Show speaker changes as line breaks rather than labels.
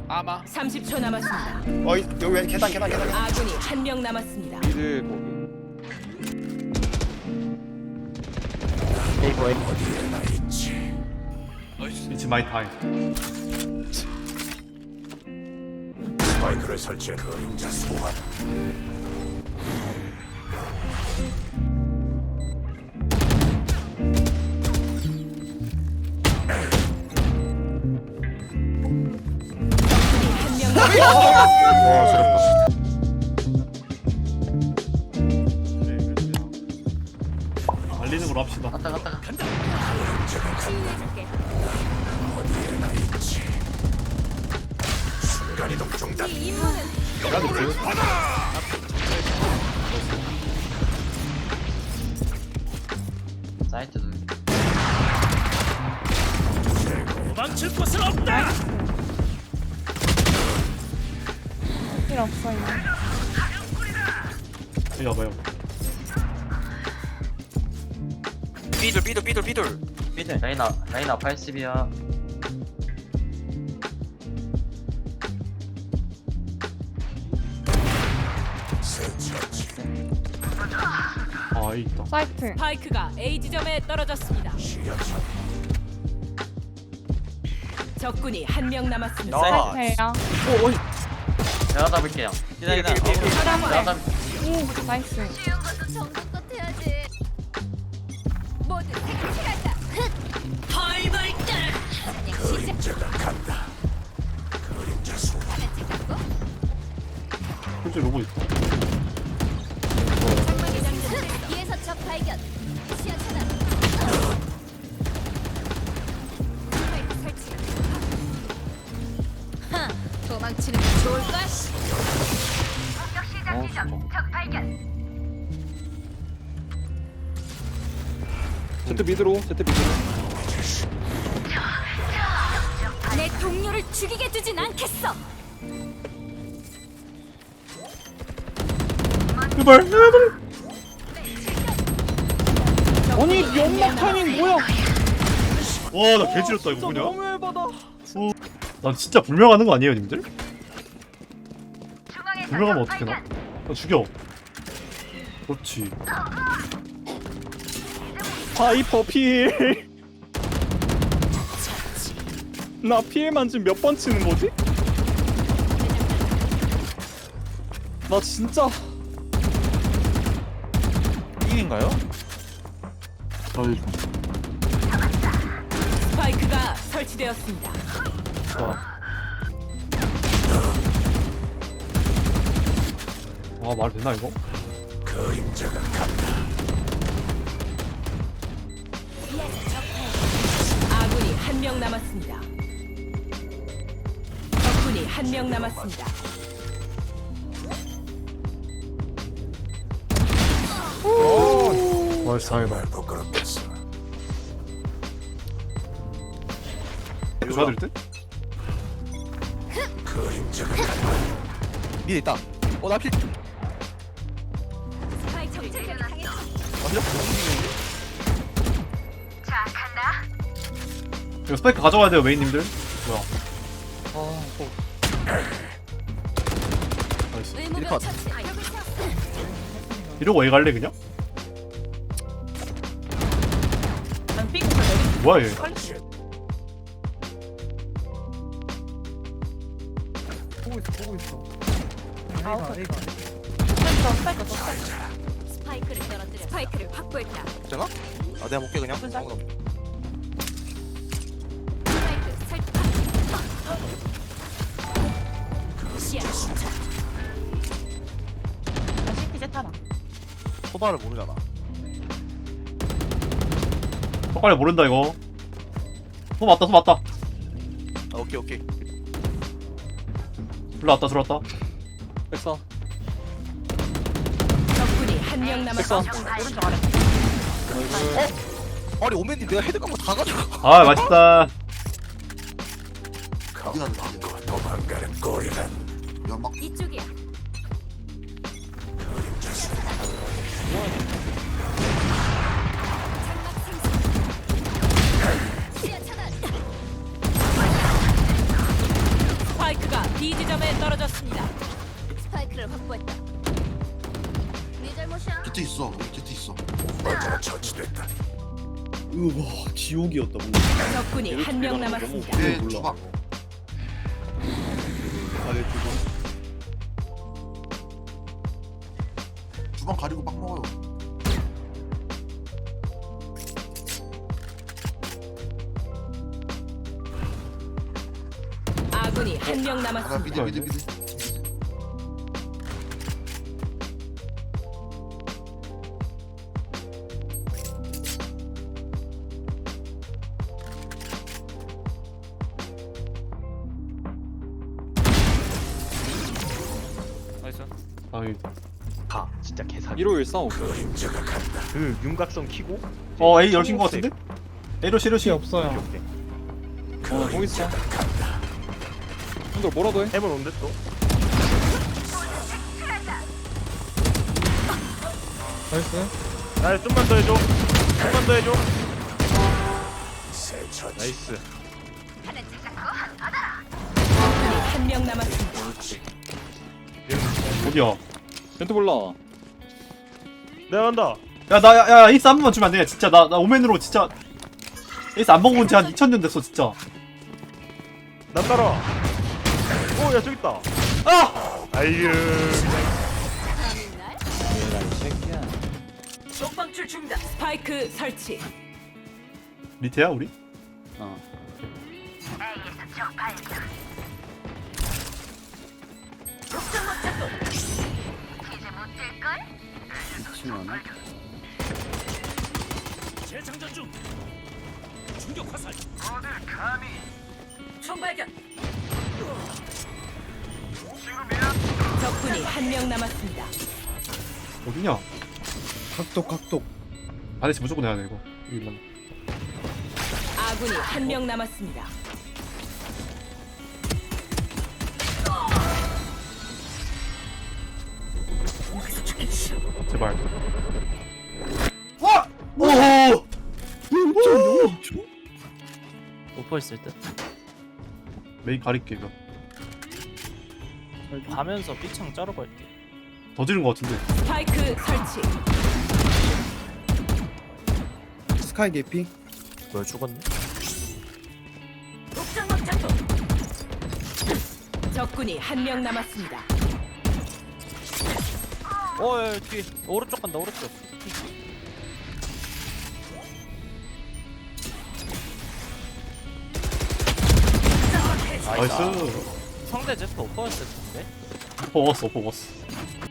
아마
30초 남았습니다.
여기 왜 계단.
아군이 한 명 남았습니다.
미드 거기.
It's my time.
스파이크를 설치해 그림자 소환.
한 명 남았습니다.
말리는 걸로 합시다.
갔다가
순간이동 중단.
사이트도
도망칠 곳은 없다.
필요 없어요.
여기 와봐요.
삐돌.
라이나 80이야.
아, 여기 있다.
사이트.
스파이크가 A 지점에 떨어졌습니다. 적군이 한 명 남았습니다.
나.
사이트예요.
내가 잡을게요. 기다리다. 내가 잡.
오, 나이스.
쉬운 것도 정성껏 해야지. 모두 색칠하자. 벌벌 떨.
그림자가 간다. 그림자 소환.
하나 찍었고.
솔직히 로고 있어.
장막의 장전. 뒤에서 적 발견. 시야 차단. 스파이크 설치. 하, 도망치는 게 좋을까? 공격 시작 지점. 적 발견.
제트 미드로.
내 동료를 죽이게 두진 않겠어.
제발.
아니, 연막 타이밍 뭐야?
와, 나 개지렸다 이거 뭐냐?
너무 열받아.
나 진짜 불명하는 거 아니에요, 님들? 불명하면 어떻게 나? 나 죽여. 그렇지.
파이퍼 필. 나 필만 지금 몇 번 치는 거지? 나 진짜
삐인가요?
아이,
스파이크가 설치되었습니다.
말 되나 이거?
그림자가 간다.
아군이 한 명 남았습니다. 적군이 한 명 남았습니다.
와,
정말 부끄럽겠어.
줘야 될 듯?
그림자가 간다.
미드 있다. 나 필.
스파이크 적절하게 당했어.
완전
자, 간다.
이거 스파이크 가져가야 돼요, 메인님들. 뭐야? 나이스.
의무병
컷.
처치. 벽을 세웠어.
이러고 A 갈래 그냥?
난 삐고 내리.
뭐야 얘?
보고 있어.
사이트.
스파이크를 떨어뜨려. 스파이크를 확보했다.
되나? 내가 볼게 그냥.
분산.
스파이크 설치. 시야.
다시 이제 타라.
소바를 모르잖아.
턱관리 모른다 이거. 손 맞다.
오케이.
들어왔다.
백사.
적군이 한 명 남았습니다.
오른쪽 아래.
아니 오맨님 내가 헤드 깐거 다 가져가.
아, 맛있다.
겁먹고 도망가는 꼴이란.
이쪽이야.
그림자 소환.
장막 생성. 시야 차단.
스파이크가 B점에 떨어졌습니다.
스파이크를 확보했다. 네 잘못이야.
제트 있어. 제트 있어. 오빠가 처치됐다.
우와 지옥이었다
적군이 한 명 남았습니다.
내
몰라.
주방.
아래 두번
주방 가리고 막 먹어요.
아군이 한 명
하나
남았습니다.
미드.
나이스.
아이.
가 진짜 개사기
1514
그림자가 간다.
그 윤곽선 키고
A 열신 거 같은데? A로 시르시 없어요.
오케이.
공 있어. 형들 뭐라도 해.
해본 온데 또
나이스.
나 좀만 더 해줘 좀만 더 해줘
새 처치.
나이스
적군이 한 명 남았습니다.
어디야?
벤트 몰라.
내가 간다
야, 에이스 한 번만 주면 안 돼? 진짜, 나 오맨으로 진짜. 에이스 안 먹은 지 한 2000년 됐어, 진짜.
난 따라와 오야 저기 있다
아!
아이유
스파이크 설치.
리테야, 우리?
적군이 한 명 남았습니다.
어디냐?
각독
반드시 무조건 해야 돼, 이거. 이거만.
아군이 한 명 남았습니다.
제발. 와! 오호!
오퍼 있을 때
메인 가릴게, 이거.
가면서 삐창 자르고 할게.
더 지른 거 같은데.
스파이크 설치.
스카이 개피
뭐야 죽었네?
적군이 한 명 남았습니다.
야, 뒤에 오른쪽 간다 오른쪽.
나이스.
상대 제트 오퍼였을 텐데.
버거스.